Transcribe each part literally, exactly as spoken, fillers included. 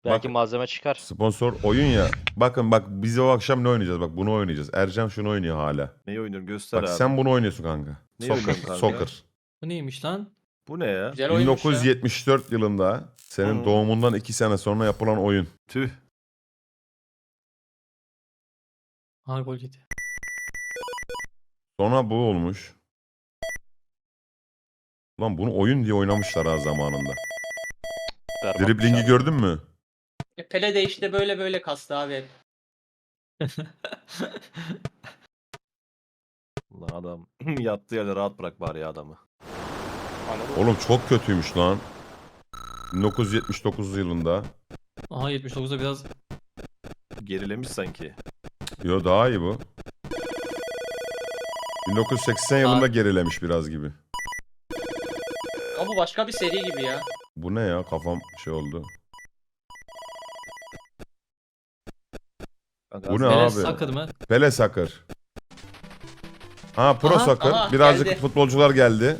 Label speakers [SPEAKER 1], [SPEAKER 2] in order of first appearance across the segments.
[SPEAKER 1] Belki
[SPEAKER 2] Bak,
[SPEAKER 1] malzeme çıkar.
[SPEAKER 2] sponsor oyun ya. Bakın bak biz o akşam ne oynayacağız? Bak bunu oynayacağız. Ercan şunu oynuyor hala.
[SPEAKER 3] Neyi oynuyorum göster
[SPEAKER 2] Bak
[SPEAKER 3] abi.
[SPEAKER 2] sen bunu oynuyorsun kanka.
[SPEAKER 3] Ne
[SPEAKER 2] Soccer.
[SPEAKER 3] oynuyorum kanka?
[SPEAKER 2] Soccer.
[SPEAKER 4] Bu neymiş lan?
[SPEAKER 3] Bu ne ya?
[SPEAKER 5] Güzel oyunmuş ya.
[SPEAKER 2] bin dokuz yüz yetmiş dört yılında senin
[SPEAKER 3] Hı.
[SPEAKER 2] doğumundan iki sene sonra yapılan oyun.
[SPEAKER 3] Tüh.
[SPEAKER 4] Ha gol yedi.
[SPEAKER 2] Sonra bu olmuş. Lan bunu oyun diye oynamışlar ha zamanında.
[SPEAKER 1] Berbat
[SPEAKER 2] Driblingi
[SPEAKER 1] bir şey.
[SPEAKER 2] gördün mü?
[SPEAKER 5] E, Pele de işte böyle böyle kastı abi hep.
[SPEAKER 3] Lan adam yattığı yerde rahat bırak bari ya adamı.
[SPEAKER 1] Anladın mı?
[SPEAKER 2] Oğlum çok kötüymüş lan. bin dokuz yüz yetmiş dokuz yılında.
[SPEAKER 4] Aha yetmiş dokuzda biraz
[SPEAKER 3] Gerilemiş sanki.
[SPEAKER 2] Yo daha iyi bu. bin dokuz yüz seksen yılında gerilemiş biraz gibi.
[SPEAKER 5] Ama bu başka bir seri gibi ya.
[SPEAKER 2] Bu ne ya? Kafam şey oldu.
[SPEAKER 3] Kanka
[SPEAKER 2] Bu ne
[SPEAKER 3] az-
[SPEAKER 2] abi?
[SPEAKER 4] Peles Soccer mı?
[SPEAKER 2] Pele Soccer. Ha Pro
[SPEAKER 4] Aha,
[SPEAKER 2] Soccer.
[SPEAKER 5] aha,
[SPEAKER 2] Birazcık
[SPEAKER 5] geldi.
[SPEAKER 2] futbolcular geldi.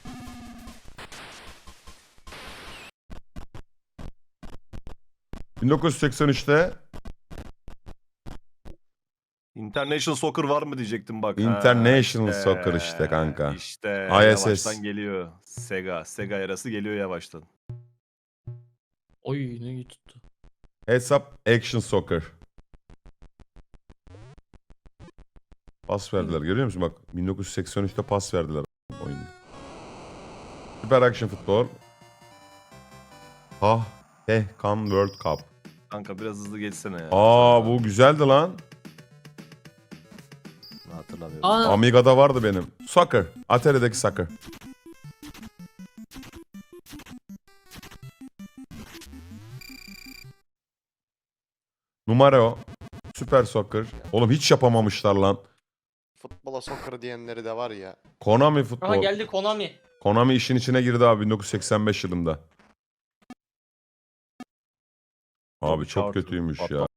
[SPEAKER 2] bin dokuz yüz seksen üçte
[SPEAKER 3] International Soccer var mı diyecektim bak.
[SPEAKER 2] International
[SPEAKER 3] Ha,
[SPEAKER 2] Soccer işte kanka.
[SPEAKER 3] İşte
[SPEAKER 2] I S S.
[SPEAKER 3] yavaştan geliyor. Sega. Sega yarası geliyor yavaştan.
[SPEAKER 4] Oy ne iyi tuttu.
[SPEAKER 2] Hesap Action Soccer. Pas verdiler görüyor musun? Bak bin dokuz yüz seksen üçte pas verdiler oyunda. Süper Action Futbol. Ah, Tehkan World Cup.
[SPEAKER 3] Kanka biraz hızlı geçsene ya.
[SPEAKER 2] Aa bu güzeldi lan.
[SPEAKER 3] Hatırlamıyorum.
[SPEAKER 4] Aa
[SPEAKER 2] Amiga'da vardı benim. Soccer. Atari'deki soccer. Numara o. Süper Soccer. Oğlum hiç yapamamışlar lan.
[SPEAKER 6] Futbola soccer diyenleri de var ya.
[SPEAKER 2] Konami
[SPEAKER 5] Aha
[SPEAKER 2] futbol.
[SPEAKER 5] geldi Konami.
[SPEAKER 2] Konami işin içine girdi abi bin dokuz yüz seksen beş yılında. Abi çok
[SPEAKER 3] Çarptı,
[SPEAKER 2] kötüymüş ya.
[SPEAKER 3] patladı.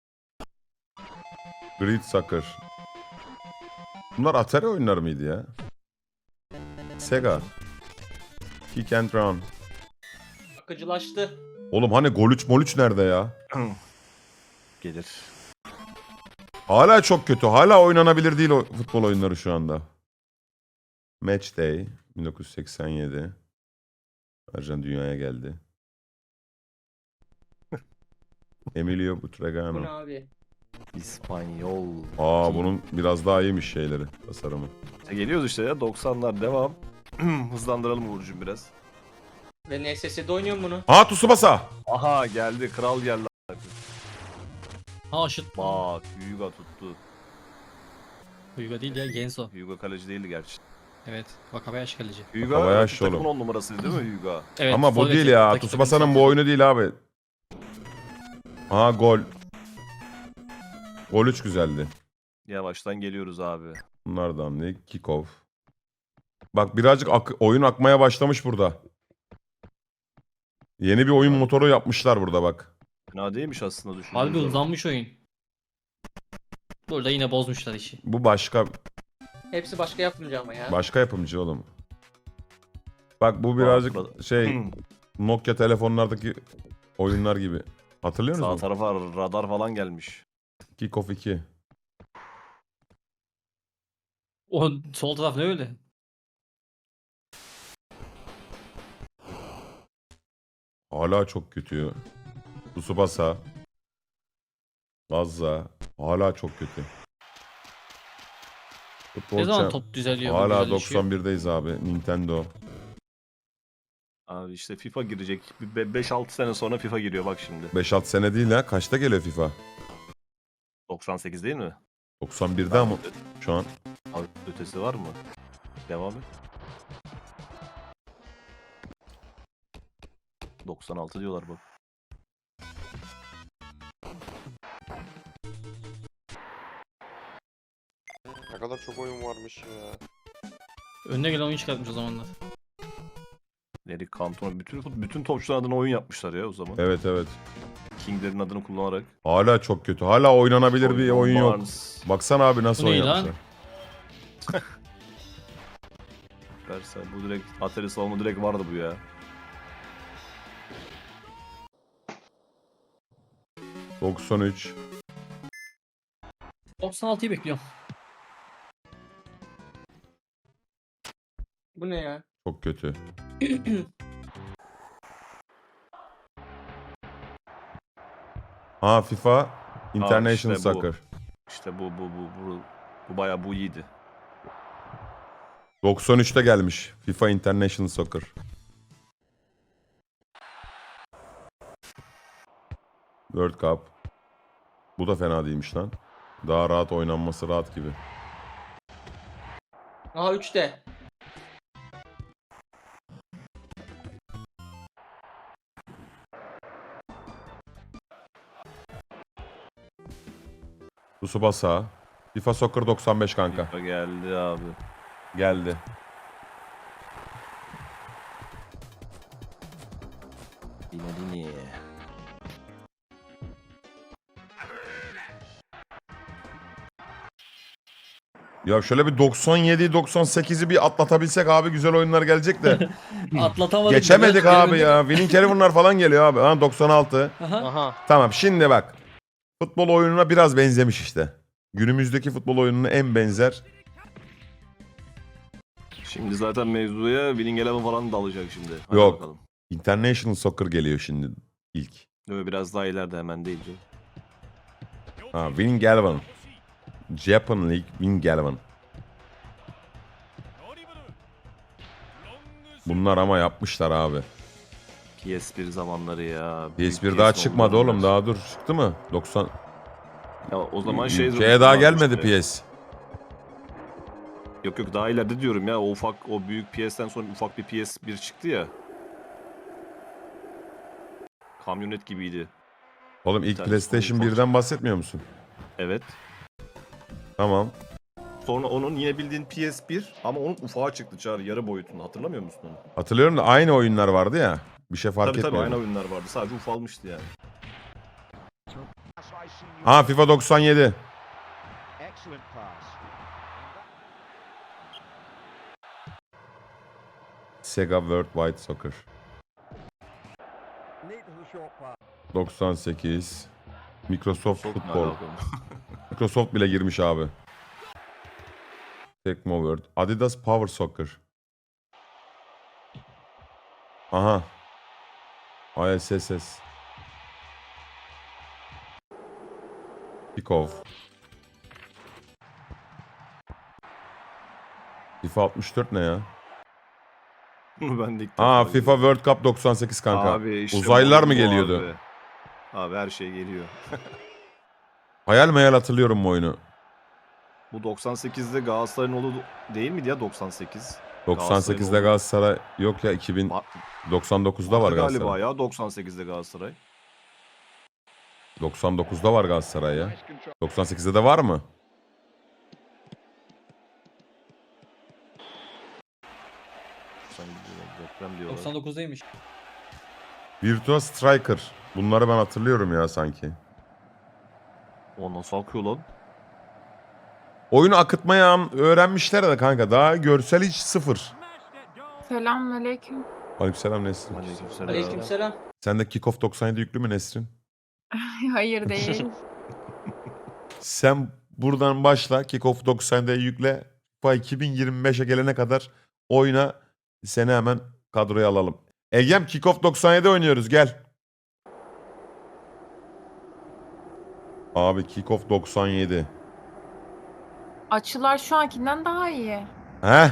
[SPEAKER 2] Grid Soccer. Bunlar Atari oyunları mıydı ya? Sega. Kick and Run.
[SPEAKER 5] Akıcılaştı.
[SPEAKER 2] Oğlum hani Gol üç Mol üç nerede ya?
[SPEAKER 3] Gelir.
[SPEAKER 2] Hala çok kötü. Hala oynanabilir değil o futbol oyunları şu anda. Match Day bin dokuz yüz seksen yedi. Ercan dünyaya geldi. Emilio
[SPEAKER 5] Bu ne
[SPEAKER 2] Butragueño.
[SPEAKER 5] abi?
[SPEAKER 3] İspanyol.
[SPEAKER 2] Aa bunun biraz daha iyiymiş şeyleri, tasarımı.
[SPEAKER 3] E, geliyoruz işte ya doksanlar devam. Hızlandıralım Uğur'cum biraz.
[SPEAKER 5] Ve N S S'de oynuyorum bunu.
[SPEAKER 2] Aa Tsubasa.
[SPEAKER 3] Aha geldi kral geldi.
[SPEAKER 4] ha aşıt.
[SPEAKER 3] Bak Hyuga tuttu.
[SPEAKER 4] Huyga değil ya Genso.
[SPEAKER 3] Hyuga kaleci değildi gerçi.
[SPEAKER 4] Evet. Wakabayashi kaleci.
[SPEAKER 3] Hyuga
[SPEAKER 2] Wakabayashi
[SPEAKER 3] takımın
[SPEAKER 2] oğlum.
[SPEAKER 3] on numarasıydı değil mi Hyuga?
[SPEAKER 4] Evet.
[SPEAKER 2] Ama bu
[SPEAKER 4] forveti,
[SPEAKER 2] değil ya.
[SPEAKER 4] rakip
[SPEAKER 2] Tsubasa'nın
[SPEAKER 4] takım
[SPEAKER 2] bu oyunu değil abi. Aa gol. Gol üç güzeldi.
[SPEAKER 3] Yavaştan geliyoruz abi.
[SPEAKER 2] Bunlardan ne? Kickoff. Bak birazcık ak- oyun akmaya başlamış burada. Yeni bir oyun motoru yapmışlar burada bak.
[SPEAKER 3] Fena değilmiş aslında düşündüğün
[SPEAKER 4] Harbi
[SPEAKER 3] zaman.
[SPEAKER 4] uzanmış oyun. Burada yine bozmuşlar işi.
[SPEAKER 2] Bu başka
[SPEAKER 5] Hepsi başka yapımcı ama ya.
[SPEAKER 2] başka yapımcı oğlum. Bak bu birazcık
[SPEAKER 3] Bak,
[SPEAKER 2] şey Nokia telefonlardaki oyunlar gibi. Hatırlıyor
[SPEAKER 3] Sağ
[SPEAKER 2] musun?
[SPEAKER 3] tarafa radar falan gelmiş.
[SPEAKER 2] Kickoff iki.
[SPEAKER 4] O sol taraf ne öyle?
[SPEAKER 2] Hala çok kötü. Tsubasa. Gazza. Hala çok kötü. Futbol
[SPEAKER 4] Ne zaman
[SPEAKER 2] Champ-
[SPEAKER 4] top düzeliyor? bu
[SPEAKER 2] Hala
[SPEAKER 4] güzelleşiyor?
[SPEAKER 2] doksan birdeyiz abi. Nintendo.
[SPEAKER 3] Abi işte FIFA girecek. beş altı sene sonra FIFA giriyor bak şimdi.
[SPEAKER 2] beş altı sene değil ha. Kaçta geliyor FIFA?
[SPEAKER 3] doksan sekiz değil mi?
[SPEAKER 2] doksan birde ama şu an.
[SPEAKER 3] Abi ötesi var mı? Devam et. doksan altı diyorlar bak.
[SPEAKER 6] Ne kadar çok oyun varmış ya.
[SPEAKER 4] Önüne gelen oyun çıkartmış o zamanlar.
[SPEAKER 3] Eric Cantona bütün bütün topçuların adına oyun yapmışlar ya o zaman.
[SPEAKER 2] Evet evet.
[SPEAKER 3] King'lerin adını kullanarak.
[SPEAKER 2] Hala çok kötü. Hala oynanabilir bir oyun yok.
[SPEAKER 3] Barnes,
[SPEAKER 2] Baksana abi nasıl
[SPEAKER 4] Bu ne
[SPEAKER 2] oyun
[SPEAKER 4] lan?
[SPEAKER 2] yapmışlar.
[SPEAKER 3] Versa, bu direkt Atari salonu direkt vardı bu ya.
[SPEAKER 2] doksan üç.
[SPEAKER 4] doksan altıyı bekliyorum.
[SPEAKER 5] Bu ne ya?
[SPEAKER 2] Çok kötü. Ha FIFA International
[SPEAKER 3] işte bu.
[SPEAKER 2] Soccer.
[SPEAKER 3] İşte bu bu bu bu bu bayağı bu iyiydi.
[SPEAKER 2] doksan üçte gelmiş FIFA International Soccer. World Cup. Bu da fena değilmiş lan. Daha rahat oynanması rahat gibi.
[SPEAKER 5] Aha üçte.
[SPEAKER 2] Tsubasa. FIFA Soccer doksan beş kanka.
[SPEAKER 3] FIFA geldi abi.
[SPEAKER 2] Geldi.
[SPEAKER 3] Dinadini.
[SPEAKER 2] Ya şöyle bir doksan yedi doksan sekizi bir atlatabilsek abi güzel oyunlar gelecek de.
[SPEAKER 4] Atlatamadık.
[SPEAKER 2] Geçemedik
[SPEAKER 4] Biraz
[SPEAKER 2] abi ya. Winning Eleven'lar falan geliyor abi. Ha doksan altı.
[SPEAKER 4] Aha.
[SPEAKER 6] Aha.
[SPEAKER 2] Tamam şimdi bak. Futbol oyununa biraz benzemiş işte. Günümüzdeki futbol oyununa en benzer.
[SPEAKER 3] Şimdi zaten mevzuya Winning Eleven falan da alacak şimdi. Hadi
[SPEAKER 2] Yok.
[SPEAKER 3] bakalım.
[SPEAKER 2] International Soccer geliyor şimdi ilk.
[SPEAKER 3] Böyle biraz daha ileride hemen değil. canım.
[SPEAKER 2] Ha Winning Eleven. Japan League Winning Eleven. Bunlar ama yapmışlar abi.
[SPEAKER 3] P S bir zamanları ya.
[SPEAKER 2] P S bir
[SPEAKER 3] Büyük
[SPEAKER 2] daha
[SPEAKER 3] P S
[SPEAKER 2] çıkmadı
[SPEAKER 3] zamanlar.
[SPEAKER 2] oğlum daha dur. Çıktı mı? doksan.
[SPEAKER 3] Ya o zaman şey...
[SPEAKER 2] Şeye daha
[SPEAKER 3] vardı
[SPEAKER 2] gelmedi
[SPEAKER 3] işte.
[SPEAKER 2] P S.
[SPEAKER 3] Yok yok daha ileride diyorum ya. O ufak o büyük P S'ten sonra ufak bir P S bir çıktı ya. Kamyonet gibiydi.
[SPEAKER 2] Oğlum ilk
[SPEAKER 3] tane
[SPEAKER 2] PlayStation
[SPEAKER 3] ufak-
[SPEAKER 2] birden bahsetmiyor musun?
[SPEAKER 3] Evet.
[SPEAKER 2] Tamam.
[SPEAKER 3] Sonra onun yine bildiğin P S bir ama onun ufağı çıktı Çağrı yarı boyutunda. Hatırlamıyor musun onu?
[SPEAKER 2] Hatırlıyorum da aynı oyunlar vardı ya. Bir şey fark
[SPEAKER 3] tabii tabii
[SPEAKER 2] etmiyor.
[SPEAKER 3] aynı oyunlar vardı. Sadece ufalmıştı yani.
[SPEAKER 2] Ha FIFA doksan yedi. Sega World Wide Soccer. doksan sekiz. Microsoft
[SPEAKER 3] Çok
[SPEAKER 2] Football.
[SPEAKER 3] alakalı.
[SPEAKER 2] Microsoft bile girmiş abi. Tecmo World. Adidas Power Soccer. Aha. I S S S. Kickoff. FIFA altmış dört ne ya?
[SPEAKER 3] ben de ilk defa
[SPEAKER 2] Aa
[SPEAKER 3] görüyorum.
[SPEAKER 2] FIFA World Cup doksan sekiz kanka.
[SPEAKER 3] Abi işte
[SPEAKER 2] Uzaylılar
[SPEAKER 3] bu-
[SPEAKER 2] mı
[SPEAKER 3] bu
[SPEAKER 2] geliyordu?
[SPEAKER 3] Abi. Abi her şey geliyor.
[SPEAKER 2] Hayal meyal hatırlıyorum bu oyunu.
[SPEAKER 3] Bu doksan sekizde Galatasaray'ın oğlu değil miydi ya doksan sekiz?
[SPEAKER 2] doksan sekizde
[SPEAKER 3] Galatasaray'ın
[SPEAKER 2] Galatasaray yok ya iki bin doksan dokuzda var
[SPEAKER 3] Vardı galiba
[SPEAKER 2] Galatasaray.
[SPEAKER 3] ya doksan sekizde Galatasaray.
[SPEAKER 2] doksan dokuzda var Galatasaray ya. doksan sekizde de var mı?
[SPEAKER 3] doksan sekizde deprem diyorlar.
[SPEAKER 4] doksan dokuzdaymış.
[SPEAKER 2] Virtua Striker. Bunları ben hatırlıyorum ya sanki.
[SPEAKER 3] O nasıl akıyor lan?
[SPEAKER 2] Oyunu akıtmayı am- öğrenmişler de kanka. Daha görsel hiç sıfır.
[SPEAKER 7] Selamünaleyküm.
[SPEAKER 2] Aleykümselam Nesrin.
[SPEAKER 3] Aleykümselam.
[SPEAKER 5] Aleykümselam.
[SPEAKER 2] Sende Kickoff doksan yedi yüklü mü Nesrin?
[SPEAKER 7] Hayır değil.
[SPEAKER 2] Sen buradan başla. Kickoff doksan yediye yükle. FIFA iki bin yirmi beşe gelene kadar oyna. Seni hemen kadroya alalım. Egem Kickoff doksan yedi oynuyoruz gel. Abi Kickoff doksan yedi.
[SPEAKER 7] Açılar şu ankinden daha iyi.
[SPEAKER 2] Heh.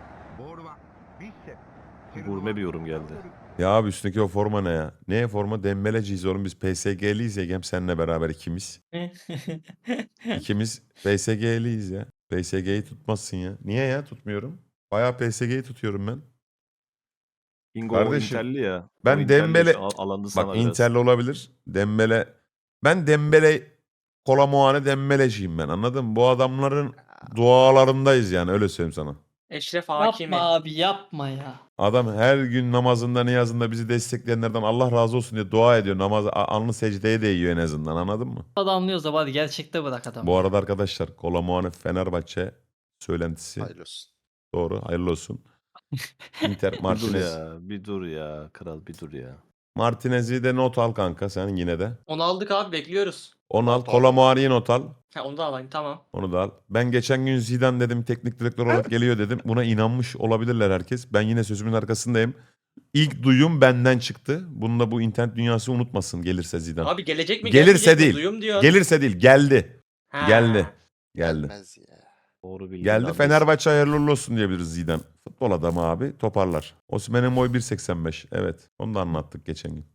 [SPEAKER 3] Gurme bir yorum geldi.
[SPEAKER 2] Ya abi üstündeki o forma ne ya? Ne forma? Dembeleciyiz oğlum biz P S G'liyiz Egem seninle beraber ikimiz. İkimiz P S G'liyiz ya. P S G'yi tutmazsın ya. Niye ya tutmuyorum? Bayağı P S G'yi tutuyorum ben.
[SPEAKER 3] Bingo
[SPEAKER 2] Kardeşim,
[SPEAKER 3] Inter'li ya.
[SPEAKER 2] ben
[SPEAKER 3] O Inter'li
[SPEAKER 2] Dembele-
[SPEAKER 3] şu an alandı sana
[SPEAKER 2] Bak
[SPEAKER 3] biraz.
[SPEAKER 2] Inter'li olabilir. Dembele. Ben Dembele Kola Muane Dembeleciyim ben anladın mı? Bu adamların dualarındayız yani öyle söyleyeyim sana.
[SPEAKER 5] Eşref Hakimi.
[SPEAKER 4] Yapma abi yapma ya.
[SPEAKER 2] Adam her gün namazında niyazında bizi destekleyenlerden Allah razı olsun diye dua ediyor. Namaz alnı secdeye değiyor en azından anladın mı?
[SPEAKER 4] Adamlıyoruz da hadi gerçekte bırak adam.
[SPEAKER 2] Bu arada arkadaşlar Kola Muane Fenerbahçe söylentisi.
[SPEAKER 6] Hayırlı olsun.
[SPEAKER 2] Doğru hayırlı olsun. Inter
[SPEAKER 3] Bir dur
[SPEAKER 2] Martinez.
[SPEAKER 3] ya, bir dur ya. Kral bir dur ya.
[SPEAKER 2] Martinez'i de not al kanka sen yine de.
[SPEAKER 5] Onu aldık abi, bekliyoruz.
[SPEAKER 2] Onu al.
[SPEAKER 6] Not al.
[SPEAKER 2] Kolomuani'yi not al.
[SPEAKER 5] Ha, onu da alayım, tamam.
[SPEAKER 2] Onu da al. Ben geçen gün Zidane dedim teknik direktör olarak geliyor dedim. Buna inanmış olabilirler herkes. Ben yine sözümün arkasındayım. İlk duyum benden çıktı. Bunu da bu internet dünyası unutmasın gelirse Zidane.
[SPEAKER 5] Abi gelecek mi?
[SPEAKER 2] Gelirse
[SPEAKER 5] gelmeyecek mi?
[SPEAKER 2] değil.
[SPEAKER 5] Duyum diyor.
[SPEAKER 2] Gelirse değil geldi.
[SPEAKER 5] Ha.
[SPEAKER 2] Geldi. Geldi.
[SPEAKER 6] Gelmez ya.
[SPEAKER 1] Doğru bilgi.
[SPEAKER 2] Geldi. Fenerbahçe hayırlı uğurlu olsun diyebiliriz Zidane. Futbol adamı abi toparlar. Osimhen'in boyu bir seksen beş. Evet. Onu da anlattık geçen gün.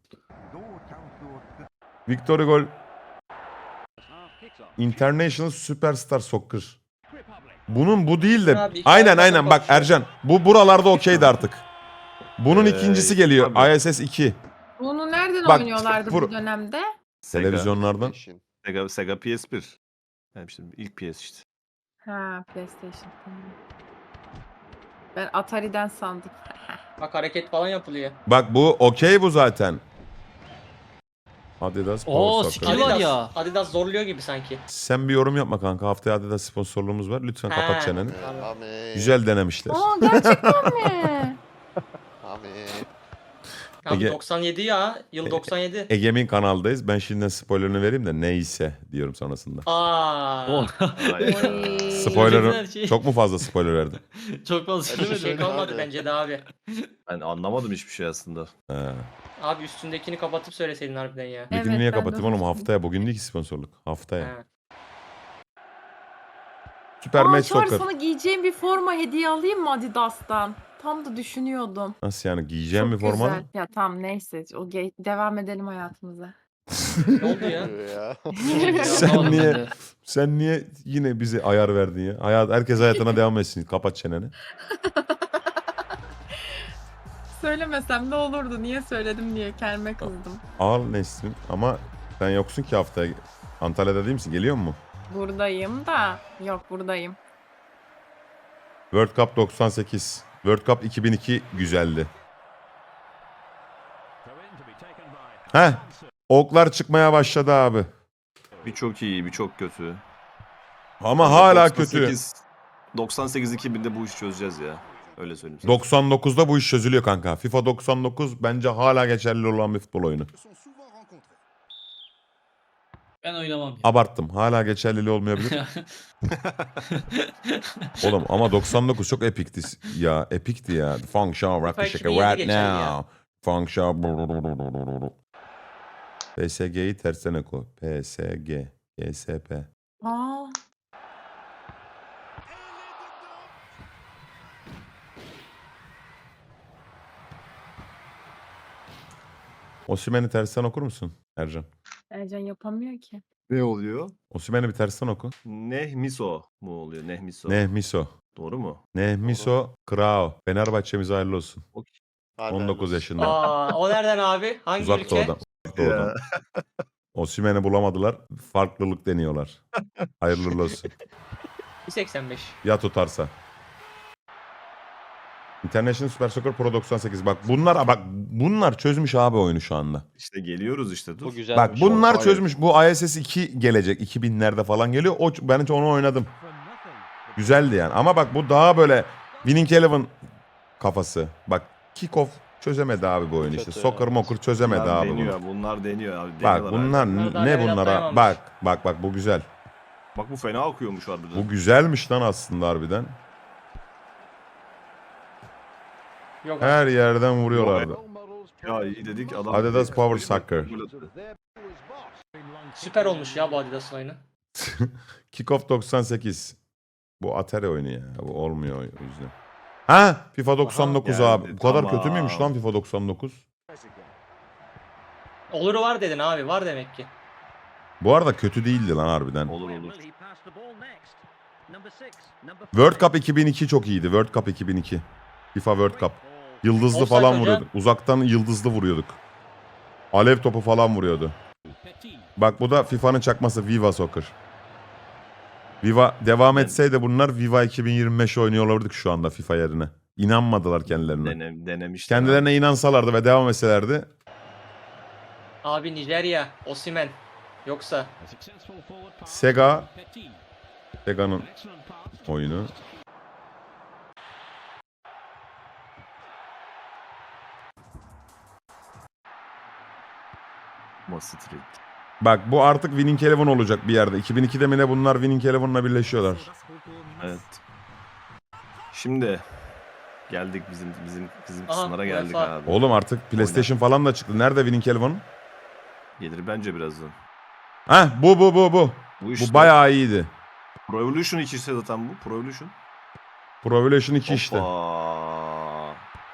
[SPEAKER 2] Victor Gol. International Superstar Soccer. Bunun bu değil de.
[SPEAKER 5] Abi, iki
[SPEAKER 2] Aynen
[SPEAKER 5] ayakta
[SPEAKER 2] aynen bak
[SPEAKER 5] konuşuyor.
[SPEAKER 2] Ercan. Bu buralarda okeydi artık. Bunun
[SPEAKER 3] Ee,
[SPEAKER 2] ikincisi geliyor.
[SPEAKER 3] tabii.
[SPEAKER 2] I S S iki.
[SPEAKER 7] Bunu nereden
[SPEAKER 2] Bak,
[SPEAKER 7] oynuyorlardı
[SPEAKER 2] vur-
[SPEAKER 7] bu dönemde?
[SPEAKER 3] Sega,
[SPEAKER 2] Televizyonlardan.
[SPEAKER 6] Peşin.
[SPEAKER 3] Sega, Sega P S bir. Yani işte ilk P S işte.
[SPEAKER 7] Ha, PlayStation. Tamam. Ben Atari'den sandım.
[SPEAKER 5] Bak hareket falan yapılıyor.
[SPEAKER 2] Bak bu okey bu zaten. Adidas
[SPEAKER 4] Oo,
[SPEAKER 2] Power
[SPEAKER 4] skill
[SPEAKER 2] Soccer.
[SPEAKER 4] var
[SPEAKER 5] Adidas,
[SPEAKER 4] ya.
[SPEAKER 5] Adidas zorluyor gibi sanki.
[SPEAKER 2] Sen bir yorum yapma kanka. Haftaya Adidas sponsorluğumuz var. Lütfen kapat
[SPEAKER 5] Ha.
[SPEAKER 2] çeneni.
[SPEAKER 5] Tamam.
[SPEAKER 6] Amin.
[SPEAKER 2] Güzel denemişler.
[SPEAKER 7] Aa, gerçekten mi?
[SPEAKER 6] Amin.
[SPEAKER 5] Abi
[SPEAKER 2] Ege-
[SPEAKER 5] doksan yedi ya. Yıl
[SPEAKER 2] E-
[SPEAKER 5] doksan yedi.
[SPEAKER 2] Egemin kanaldayız. Ben şimdiden spoilerını vereyim de neyse diyorum sonrasında.
[SPEAKER 5] Aa.
[SPEAKER 4] Oh.
[SPEAKER 3] Ay.
[SPEAKER 7] Oy.
[SPEAKER 2] Spoiler'ı
[SPEAKER 4] her şey.
[SPEAKER 2] çok mu fazla spoiler verdim?
[SPEAKER 4] Çok fazla
[SPEAKER 5] Hiçbir şey
[SPEAKER 6] Söyle
[SPEAKER 5] kalmadı
[SPEAKER 6] abi.
[SPEAKER 5] bence de abi.
[SPEAKER 3] Ben anlamadım hiçbir şey aslında.
[SPEAKER 2] He.
[SPEAKER 5] Abi üstündekini kapatıp söyleseydin harbiden ya.
[SPEAKER 7] Evet,
[SPEAKER 2] Bugün niye
[SPEAKER 7] ben de
[SPEAKER 2] kapatayım oğlum?
[SPEAKER 7] onu
[SPEAKER 2] Haftaya. Bugün değil ki sponsorluk. Haftaya.
[SPEAKER 5] Ha.
[SPEAKER 2] Süper
[SPEAKER 7] Aa,
[SPEAKER 2] Match
[SPEAKER 7] Çağrı,
[SPEAKER 2] Soccer.
[SPEAKER 7] sana giyeceğim bir forma hediye alayım mı Adidas'tan? Tam da düşünüyordum.
[SPEAKER 2] Nasıl yani? Giyeceğim
[SPEAKER 7] Çok
[SPEAKER 2] bir forma?
[SPEAKER 7] güzel. Ya tamam neyse. O ge- devam edelim hayatımıza.
[SPEAKER 5] Ne oldu ya?
[SPEAKER 6] ya.
[SPEAKER 2] Sen
[SPEAKER 4] Anlamadım
[SPEAKER 2] niye-
[SPEAKER 4] ben de.
[SPEAKER 2] Sen niye yine bize ayar verdin ya? Hayat, herkes hayatına devam etsin. Kapat çeneni.
[SPEAKER 7] Söylemesem de olurdu. Niye söyledim diye kendime kızdım.
[SPEAKER 2] Al Nesrin ama sen yoksun ki haftaya. Antalya'da değil misin? Geliyor mu?
[SPEAKER 7] Buradayım da. Yok buradayım.
[SPEAKER 2] World Cup doksan sekiz. World Cup iki bin iki güzeldi. Heh. Oklar çıkmaya başladı abi.
[SPEAKER 3] Bir çok iyi, bir çok kötü.
[SPEAKER 2] Ama hala
[SPEAKER 3] doksan
[SPEAKER 2] kötü.
[SPEAKER 3] sekiz doksan sekiz iki binde bu işi çözeceğiz ya. Öyle söyleyeyim sana.
[SPEAKER 2] doksan dokuzda bu iş çözülüyor kanka. FIFA doksan dokuz bence hala geçerli olan bir futbol oyunu.
[SPEAKER 4] Ben oynamam. ya.
[SPEAKER 2] Abarttım. Hala geçerliliği olmayabilir. Oğlum ama doksan dokuz çok epikti ya. Epikti ya. Funk Show Rock the
[SPEAKER 5] iki
[SPEAKER 2] Shaker
[SPEAKER 5] bin yedi
[SPEAKER 2] right
[SPEAKER 5] geçerli ya.
[SPEAKER 2] now. Funk Show. P S G'yi tersine koy. P S G. G S P.
[SPEAKER 7] Aa.
[SPEAKER 2] Osimhen'i tersten okur musun Ercan?
[SPEAKER 7] Ercan yapamıyor ki.
[SPEAKER 3] Ne oluyor?
[SPEAKER 2] Osimhen'i bir tersten oku.
[SPEAKER 3] Nehmiso mu oluyor? Nehmiso.
[SPEAKER 2] Nehmiso.
[SPEAKER 3] Doğru mu?
[SPEAKER 2] Nehmiso Krao. Fenerbahçe'mize hayırlı olsun.
[SPEAKER 6] Hadi
[SPEAKER 2] on dokuz
[SPEAKER 6] hayırlı
[SPEAKER 2] yaşında.
[SPEAKER 5] Aa, o nereden abi? Hangi
[SPEAKER 2] Uzak
[SPEAKER 5] ülke?
[SPEAKER 2] doğudan. Uzak doğudan. Osimhen'i bulamadılar. Farklılık deniyorlar. Hayırlı uğurlu olsun.
[SPEAKER 5] bir seksen beş.
[SPEAKER 2] Ya tutarsa. International Super Soccer Pro doksan sekiz. Bak bunlar bak bunlar çözmüş abi oyunu şu anda.
[SPEAKER 3] İşte geliyoruz işte dur.
[SPEAKER 1] Bu güzel.
[SPEAKER 2] Bak bunlar
[SPEAKER 3] Hayır.
[SPEAKER 2] çözmüş. Bu I S S iki gelecek. iki binlerde falan geliyor. O ben hiç onu oynadım. Güzeldi yani. Ama bak bu daha böyle Winning Eleven kafası. Bak Kickoff çözemedi abi bu oyunu işte.
[SPEAKER 1] Kötü,
[SPEAKER 2] Soccer
[SPEAKER 1] evet.
[SPEAKER 2] mokur çözemedi
[SPEAKER 3] Bunlar
[SPEAKER 2] abi bunu.
[SPEAKER 3] deniyor, bunlar deniyor abi.
[SPEAKER 2] Bak
[SPEAKER 3] deniyorlar
[SPEAKER 2] bunlar
[SPEAKER 3] hala.
[SPEAKER 5] Bunlar daha
[SPEAKER 2] ne
[SPEAKER 5] level
[SPEAKER 2] bunlara?
[SPEAKER 5] atlayamamış.
[SPEAKER 2] Bak bak bak bu güzel.
[SPEAKER 3] Bak bu fena akıyormuş harbiden.
[SPEAKER 2] Bu güzelmiş lan aslında harbiden.
[SPEAKER 5] Yok.
[SPEAKER 2] Her yerden vuruyorlardı.
[SPEAKER 3] Ya iyi dedik adam.
[SPEAKER 2] Adidas Power Soccer.
[SPEAKER 5] Süper olmuş ya bu Adidas'ın oyunu.
[SPEAKER 2] Kickoff doksan sekiz. Bu Atari oyunu ya. Bu olmuyor o yüzden. Ha, FIFA doksan dokuz
[SPEAKER 3] Aha,
[SPEAKER 2] abi.
[SPEAKER 3] geldi,
[SPEAKER 2] Bu kadar
[SPEAKER 3] tamam.
[SPEAKER 2] kötü müymüş lan FIFA doksan dokuz?
[SPEAKER 5] Oluru var dedin abi. Var demek ki.
[SPEAKER 2] Bu arada kötü değildi lan harbiden.
[SPEAKER 3] Olur olur.
[SPEAKER 2] World Cup iki bin iki çok iyiydi. World Cup iki bin iki. FIFA World Cup. Yıldızlı
[SPEAKER 5] Offside
[SPEAKER 2] falan
[SPEAKER 5] hocam.
[SPEAKER 2] vuruyorduk. Uzaktan yıldızlı vuruyorduk. Alev topu falan vuruyordu. Bak bu da FIFA'nın çakması Viva Soccer. Viva devam etseydi bunlar Viva iki bin yirmi beş oynuyor olurduk şu anda FIFA yerine. İnanmadılar kendilerine.
[SPEAKER 3] Dene, denemişler.
[SPEAKER 2] Kendilerine inansalardı ve devam etselerdi
[SPEAKER 5] Abi Nijerya. Osimhen. Yoksa.
[SPEAKER 2] Sega Sega'nın oyunu.
[SPEAKER 3] Roma Street.
[SPEAKER 2] Bak bu artık Winning Eleven olacak bir yerde. iki bin ikide mi ne bunlar Winning Eleven'la birleşiyorlar.
[SPEAKER 3] Evet. Şimdi geldik bizim bizim bizim
[SPEAKER 5] Aha,
[SPEAKER 3] kısımlara geldik
[SPEAKER 5] UEFA.
[SPEAKER 3] abi.
[SPEAKER 2] Oğlum artık PlayStation falan da çıktı. Nerede Winning Eleven?
[SPEAKER 3] Gelir bence birazdan.
[SPEAKER 2] Heh bu bu bu bu.
[SPEAKER 3] Bu işte
[SPEAKER 2] Bu bayağı iyiydi.
[SPEAKER 3] Pro Evolution iki ise zaten bu. Pro Evolution.
[SPEAKER 2] Pro Evolution iki işte.
[SPEAKER 3] Hoppa.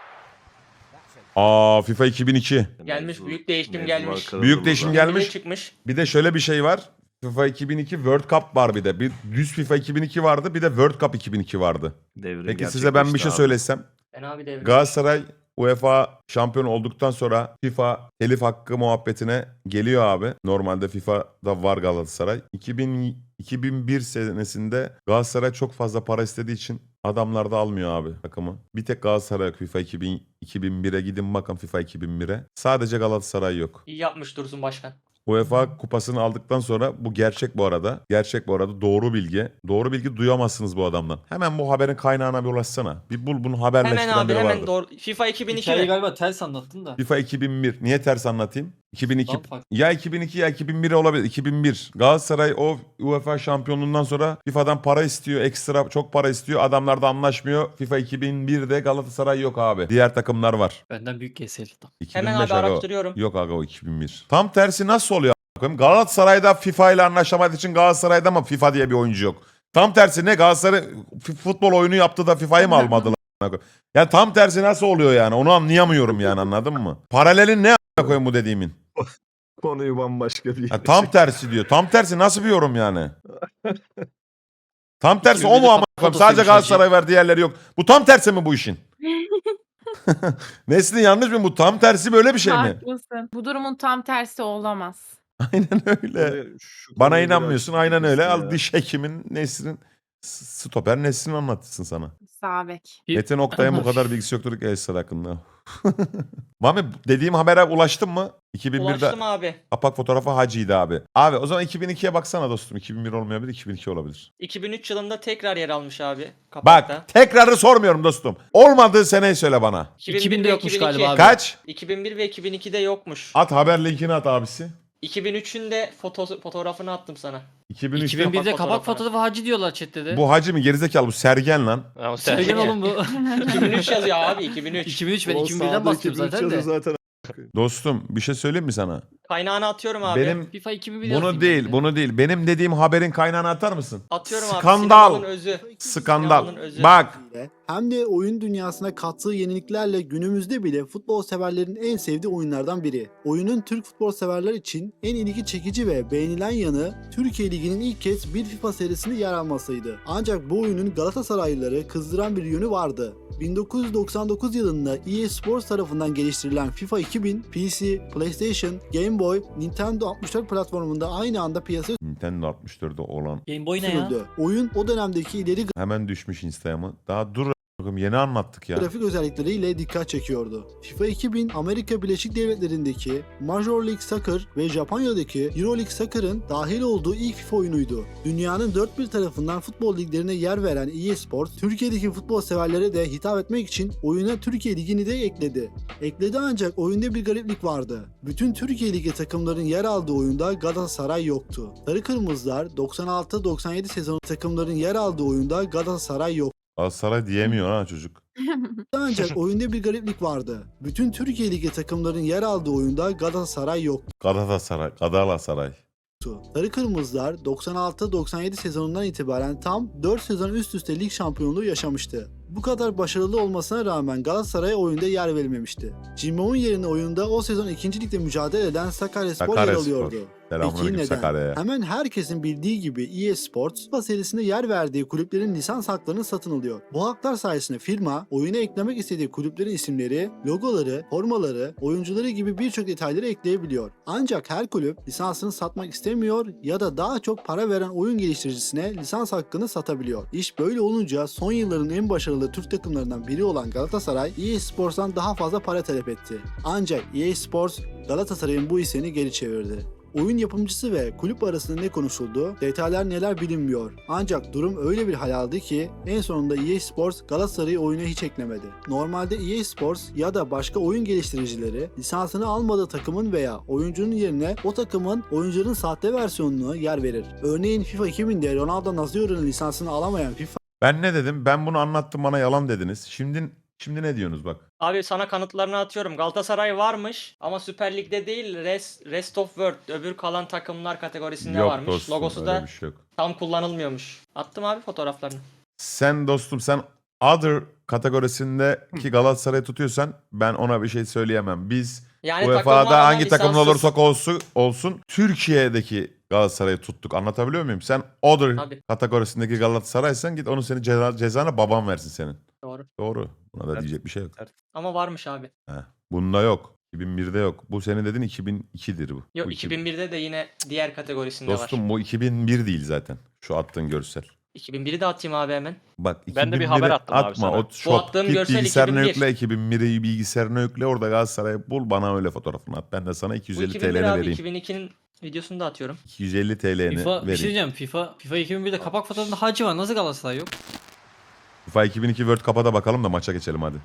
[SPEAKER 2] Aa FIFA iki bin iki.
[SPEAKER 5] Gelmiş,
[SPEAKER 3] Mevzu-
[SPEAKER 5] büyük değişim
[SPEAKER 3] mevzu
[SPEAKER 5] gelmiş.
[SPEAKER 3] var,
[SPEAKER 2] Büyük
[SPEAKER 3] kırıldı
[SPEAKER 2] değişim
[SPEAKER 3] burada.
[SPEAKER 2] gelmiş.
[SPEAKER 5] Bir de çıkmış.
[SPEAKER 2] Bir de şöyle bir şey var. FIFA iki bin iki World Cup var bir de. Bir düz FIFA iki bin iki vardı, bir de World Cup iki bin iki vardı.
[SPEAKER 3] Devrim
[SPEAKER 2] Peki size ben bir şey
[SPEAKER 3] gerçekleşti abi.
[SPEAKER 2] söylesem.
[SPEAKER 5] Fena bir devrim.
[SPEAKER 2] Galatasaray UEFA şampiyon olduktan sonra FIFA telif hakkı muhabbetine geliyor abi. Normalde FIFA'da var Galatasaray. iki bin, iki bin bir senesinde Galatasaray çok fazla para istediği için adamlar da almıyor abi takımı. Bir tek Galatasaray yok FIFA iki bin, iki bin bire gidin bakın FIFA iki bin bire. Sadece Galatasaray yok.
[SPEAKER 5] İyi yapmış Dursun Başkan.
[SPEAKER 2] UEFA kupasını aldıktan sonra bu gerçek bu arada. Gerçek bu arada doğru bilgi. Doğru bilgi duyamazsınız bu adamdan. Hemen bu haberin kaynağına bir ulaşsana. Bir bul bunu haberleştiren
[SPEAKER 5] Hemen abi
[SPEAKER 2] biri
[SPEAKER 5] hemen
[SPEAKER 2] vardır.
[SPEAKER 5] doğru. FIFA iki bin iki
[SPEAKER 4] Hikayeyi
[SPEAKER 5] mi?
[SPEAKER 4] galiba ters anlattın da.
[SPEAKER 2] FIFA iki bin bir. Niye ters anlatayım? iki bin iki.
[SPEAKER 4] Daha farklı.
[SPEAKER 2] Ya iki bin iki ya iki bin bir olabilir. iki bin bir. Galatasaray o UEFA şampiyonluğundan sonra FIFA'dan para istiyor. Ekstra çok para istiyor. Adamlar da anlaşmıyor. FIFA iki bin birde Galatasaray yok abi. Diğer takımlar var.
[SPEAKER 4] Benden büyük keseli.
[SPEAKER 2] iki bin beş
[SPEAKER 5] Hemen abi
[SPEAKER 2] aga o.
[SPEAKER 5] araştırıyorum.
[SPEAKER 2] Yok aga o iki bin bir. Tam tersi nasıl oluyor? a**ayım? Galatasaray'da FIFA ile anlaşamadığı için Galatasaray'da ama FIFA diye bir oyuncu yok. Tam tersi ne Galatasaray f- futbol oyunu yaptı da FIFA'yı mı almadılar? a**ayım? Ya tam tersi nasıl oluyor yani? Onu anlayamıyorum yani anladın mı? Paralelin ne a**ayım koyayım bu dediğimin?
[SPEAKER 3] Konuyu bambaşka bir yere
[SPEAKER 2] Ya tam tersi diyor. Tam tersi nasıl bir yorum yani? Tam tersi o mu ama koyayım? Sadece Galatasaray var diğerleri yok. Bu tam tersi mi bu işin? Nesli yanlış mı? Bu tam tersi böyle bir şey mi?
[SPEAKER 7] Haklısın. Bu durumun tam tersi olamaz.
[SPEAKER 2] Aynen öyle.
[SPEAKER 3] Konuyu- şu
[SPEAKER 2] Bana
[SPEAKER 3] konuyu
[SPEAKER 2] inanmıyorsun
[SPEAKER 3] biraz
[SPEAKER 2] aynen öyle.
[SPEAKER 3] ya.
[SPEAKER 2] Al diş hekimin Nesrin s- stoper Nesrin anlatsın sana.
[SPEAKER 7] Sabek.
[SPEAKER 4] Bir-
[SPEAKER 2] Metin Oktay'ın bu kadar bilgisi yoktur ki Esra hakkında. Mami dediğim habere ulaştın mı? iki bin birde
[SPEAKER 5] Ulaştım abi.
[SPEAKER 2] kapak fotoğrafı Hacı'ydı abi. Abi o zaman iki bin ikiye baksana dostum. iki bin bir olmayabilir, iki bin iki olabilir.
[SPEAKER 5] iki bin üç yılında tekrar yer almış abi. Kapakta.
[SPEAKER 2] Bak tekrarı sormuyorum dostum. Olmadığı seneyi söyle bana.
[SPEAKER 4] iki binde
[SPEAKER 5] ve
[SPEAKER 4] yokmuş
[SPEAKER 5] iki bin iki.
[SPEAKER 4] galiba abi.
[SPEAKER 2] Kaç?
[SPEAKER 5] iki bin bir ve iki bin ikide yokmuş.
[SPEAKER 2] At haber linkini at abisi.
[SPEAKER 5] iki bin üçün de foto fotoğrafını attım sana.
[SPEAKER 2] iki bin üçte
[SPEAKER 4] iki bin birde
[SPEAKER 5] kapak
[SPEAKER 4] kapak
[SPEAKER 5] fotoğrafı.
[SPEAKER 4] fotoğrafı Hacı diyorlar chatte de.
[SPEAKER 2] bu Hacı mı gerizekalı bu Sergen lan.
[SPEAKER 1] Ama
[SPEAKER 4] Sergen
[SPEAKER 1] sen
[SPEAKER 4] oğlum bu.
[SPEAKER 5] iki bin üç yazıyor abi iki bin üç.
[SPEAKER 4] iki bin üç ben
[SPEAKER 3] O
[SPEAKER 4] iki bin birden
[SPEAKER 3] sağda
[SPEAKER 4] bahsediyorum
[SPEAKER 3] iki bin üç
[SPEAKER 4] zaten de.
[SPEAKER 3] yazıyor zaten.
[SPEAKER 2] Dostum bir şey söyleyeyim mi sana?
[SPEAKER 5] Kaynağını atıyorum abi.
[SPEAKER 2] Benim
[SPEAKER 4] FIFA iki bin bir
[SPEAKER 2] bunu
[SPEAKER 4] yazayım
[SPEAKER 2] değil
[SPEAKER 4] ben de.
[SPEAKER 2] bunu değil. Benim dediğim haberin kaynağını atar mısın?
[SPEAKER 5] Atıyorum abi.
[SPEAKER 2] Skandal.
[SPEAKER 5] Sinemanın özü.
[SPEAKER 2] Skandal.
[SPEAKER 5] Sinemanın özü.
[SPEAKER 2] Bak
[SPEAKER 8] ile hem de oyun dünyasına kattığı yeniliklerle günümüzde bile futbol severlerin en sevdiği oyunlardan biri. Oyunun Türk futbol severler için en ilgi çekici ve beğenilen yanı Türkiye Ligi'nin ilk kez bir FIFA serisinde yer almasıydı. Ancak bu oyunun Galatasaraylıları kızdıran bir yönü vardı. bin dokuz yüz doksan dokuz yılında E A Sports tarafından geliştirilen FIFA iki bin, P C, PlayStation, Game Boy, Nintendo altmış dört platformunda aynı anda piyasaya
[SPEAKER 2] Nintendo altmış dörtte olan
[SPEAKER 4] Game Boy ne ya?
[SPEAKER 8] sürüldü. Oyun o dönemdeki ileri
[SPEAKER 2] hemen düşmüş Instagram'a. Daha dur a**ım, yeni anlattık ya.
[SPEAKER 8] grafik özellikleriyle dikkat çekiyordu. FIFA iki bin Amerika Birleşik Devletleri'ndeki Major League Soccer ve Japonya'daki Euro League Soccer'ın dahil olduğu ilk FIFA oyunuydu. Dünyanın dört bir tarafından futbol liglerine yer veren E A Sports, Türkiye'deki futbol severlere de hitap etmek için oyuna Türkiye Ligi'ni de ekledi. Ekledi ancak oyunda bir gariplik vardı. Bütün Türkiye Ligi takımların yer aldığı oyunda Galatasaray yoktu. Sarı Kırmızılar doksan altı doksan yedi sezonu takımların yer aldığı oyunda Galatasaray yoktu.
[SPEAKER 2] Galatasaray diyemiyor ha çocuk.
[SPEAKER 8] Ancak oyunda bir gariplik vardı. Bütün Türkiye Ligi takımların yer aldığı oyunda Galatasaray yoktu.
[SPEAKER 2] Galatasaray, Galatasaray.
[SPEAKER 8] Sarı Kırmızılar doksan altı doksan yedi sezonundan itibaren tam dört sezon üst üste lig şampiyonluğu yaşamıştı. Bu kadar başarılı olmasına rağmen Galatasaray'a oyunda yer verilmemişti. Cimbom'un yerine oyunda o sezon ikinci ligde mücadele eden Sakaryaspor yer
[SPEAKER 2] Sakaryaspor.
[SPEAKER 8] alıyordu. Peki
[SPEAKER 2] Selamünaleyküm
[SPEAKER 8] neden?
[SPEAKER 2] Sakarya'ya.
[SPEAKER 8] Hemen herkesin bildiği gibi E A Sports, FIFA serisinde yer verdiği kulüplerin lisans haklarını satın alıyor. Bu haklar sayesinde firma, oyuna eklemek istediği kulüplerin isimleri, logoları, formaları, oyuncuları gibi birçok detayları ekleyebiliyor. Ancak her kulüp lisansını satmak istemiyor ya da daha çok para veren oyun geliştiricisine lisans hakkını satabiliyor. İş böyle olunca son yılların en başarılı Türk takımlarından biri olan Galatasaray, E A Sports'tan daha fazla para talep etti. Ancak E A Sports, Galatasaray'ın bu isteğini geri çevirdi. oyun yapımcısı ve kulüp arasında ne konuşuldu, detaylar neler bilinmiyor. Ancak durum öyle bir hal aldı ki en sonunda E A Sports Galatasaray'ı oyuna hiç eklemedi. Normalde E A Sports ya da başka oyun geliştiricileri lisansını almadığı takımın veya oyuncunun yerine o takımın oyuncuların sahte versiyonuna yer verir. Örneğin FIFA iki binde Ronaldo Nazio'nun lisansını alamayan FIFA
[SPEAKER 2] Ben ne dedim? Ben bunu anlattım, bana yalan dediniz. Şimdi şimdi ne diyorsunuz bak.
[SPEAKER 5] Abi sana kanıtlarını atıyorum. Galatasaray varmış ama Süper Lig'de değil Rest, Rest of World öbür kalan takımlar kategorisinde
[SPEAKER 2] Yok
[SPEAKER 5] varmış.
[SPEAKER 2] dostum,
[SPEAKER 5] Logosu
[SPEAKER 2] öyle
[SPEAKER 5] da
[SPEAKER 2] bir şey yok.
[SPEAKER 5] tam kullanılmıyormuş. Attım abi fotoğraflarını.
[SPEAKER 2] Sen dostum sen Other kategorisindeki Galatasaray'ı tutuyorsan ben ona bir şey söyleyemem. Biz
[SPEAKER 5] Yani
[SPEAKER 2] UEFA'da
[SPEAKER 5] takımlardan
[SPEAKER 2] hangi takımın
[SPEAKER 5] lisanssız-
[SPEAKER 2] olursak olsun, olsun Türkiye'deki Galatasaray'ı tuttuk. Anlatabiliyor muyum? Sen Other
[SPEAKER 5] Tabii.
[SPEAKER 2] kategorisindeki Galatasaray'san git onu senin ceza, cezana babam versin senin.
[SPEAKER 5] Doğru.
[SPEAKER 2] Doğru. Buna da
[SPEAKER 3] Evet.
[SPEAKER 2] diyecek bir şey yok.
[SPEAKER 5] Ama varmış abi.
[SPEAKER 2] Heh. Bunda yok. iki bin birde yok. Bu senin dediğin iki bin ikidir bu.
[SPEAKER 5] Yok
[SPEAKER 2] Bu
[SPEAKER 5] iki bin birde de yine diğer kategorisinde var.
[SPEAKER 2] Dostum bu iki bin bir değil zaten. Şu attığın görsel.
[SPEAKER 5] iki bin biri de atayım abi hemen.
[SPEAKER 2] Bak
[SPEAKER 1] Ben de bir
[SPEAKER 2] iki bin biri
[SPEAKER 1] haber attım abi
[SPEAKER 2] atma.
[SPEAKER 1] sana.
[SPEAKER 2] O
[SPEAKER 5] Bu
[SPEAKER 2] shop,
[SPEAKER 5] attığım
[SPEAKER 2] git
[SPEAKER 5] görsel
[SPEAKER 2] bilgisayarına
[SPEAKER 5] iki bin bir.
[SPEAKER 2] yükle. iki bin biri bilgisayarına yükle. Orada Galatasaray'ı bul. Bana öyle fotoğrafını at. Ben de sana iki yüz
[SPEAKER 5] Bu
[SPEAKER 2] elli
[SPEAKER 5] iki bin bir
[SPEAKER 2] TL'ni
[SPEAKER 5] abi
[SPEAKER 2] vereyim.
[SPEAKER 5] iki bin ikinin videosunu da atıyorum.
[SPEAKER 2] iki yüz elli TL'ni
[SPEAKER 4] FIFA, bir şey
[SPEAKER 2] vereyim.
[SPEAKER 4] diyeceğim. FIFA, FIFA iki bin birde kapak fotoğrafında Hacı var. Nasıl Galatasaray yok?
[SPEAKER 2] FIFA iki bin iki World Cup'a da bakalım da maça geçelim hadi.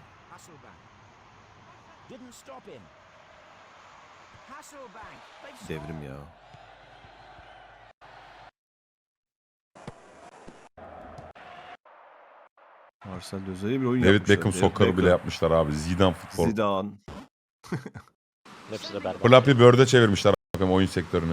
[SPEAKER 3] Devrim ya. Marcel Dözer'e bir oyun
[SPEAKER 2] David
[SPEAKER 3] yapmışlar.
[SPEAKER 2] Beckham
[SPEAKER 3] David
[SPEAKER 2] soccer'ı bile
[SPEAKER 3] Beckham,
[SPEAKER 2] yapmışlar abi. Zidane futbol.
[SPEAKER 3] Zidane.
[SPEAKER 1] Hepsi de berbat.
[SPEAKER 2] Flappy Bird'e çevirmişler bakayım oyun sektörünü.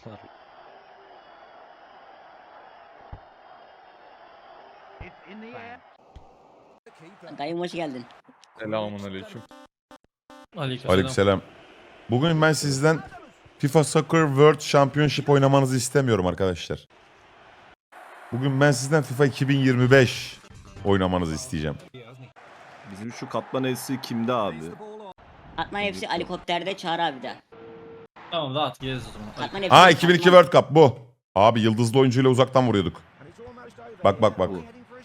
[SPEAKER 9] Dayım hoş geldin.
[SPEAKER 1] Selamun aleyküm.
[SPEAKER 4] Aleykümselam.
[SPEAKER 2] Aleykümselam. Bugün ben sizden FIFA Soccer World Championship oynamanızı istemiyorum arkadaşlar. Bugün ben sizden FIFA iki bin yirmi beş oynamanızı isteyeceğim.
[SPEAKER 3] Bizim şu katman elsi kimde abi?
[SPEAKER 9] Atman hepsi helikopterde Çağrı abi de.
[SPEAKER 4] Tamam rahat geliriz o zaman.
[SPEAKER 9] Katman hepsi
[SPEAKER 2] Ha iki bin iki
[SPEAKER 9] Katman-
[SPEAKER 2] World Cup bu. Abi yıldızlı oyuncuyla uzaktan vuruyorduk. Bak bak bak.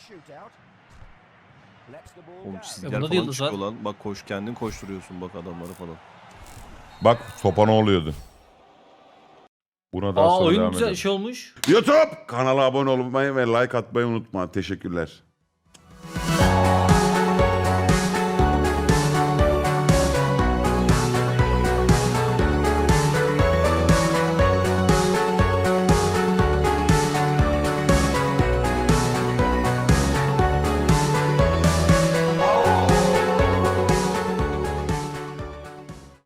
[SPEAKER 3] Oğlum
[SPEAKER 4] Ya
[SPEAKER 3] çizgiler
[SPEAKER 4] bunda da
[SPEAKER 3] falan
[SPEAKER 4] yıldız var.
[SPEAKER 3] çıkıyor lan. Bak koş kendin koşturuyorsun bak adamları falan.
[SPEAKER 2] Bak topa ne oluyordu. Buna daha
[SPEAKER 4] Aa
[SPEAKER 2] sonra
[SPEAKER 4] oyun
[SPEAKER 2] devam
[SPEAKER 4] güzel
[SPEAKER 2] edelim.
[SPEAKER 4] şey olmuş.
[SPEAKER 2] YouTube kanala abone olmayı ve like atmayı unutma. Teşekkürler.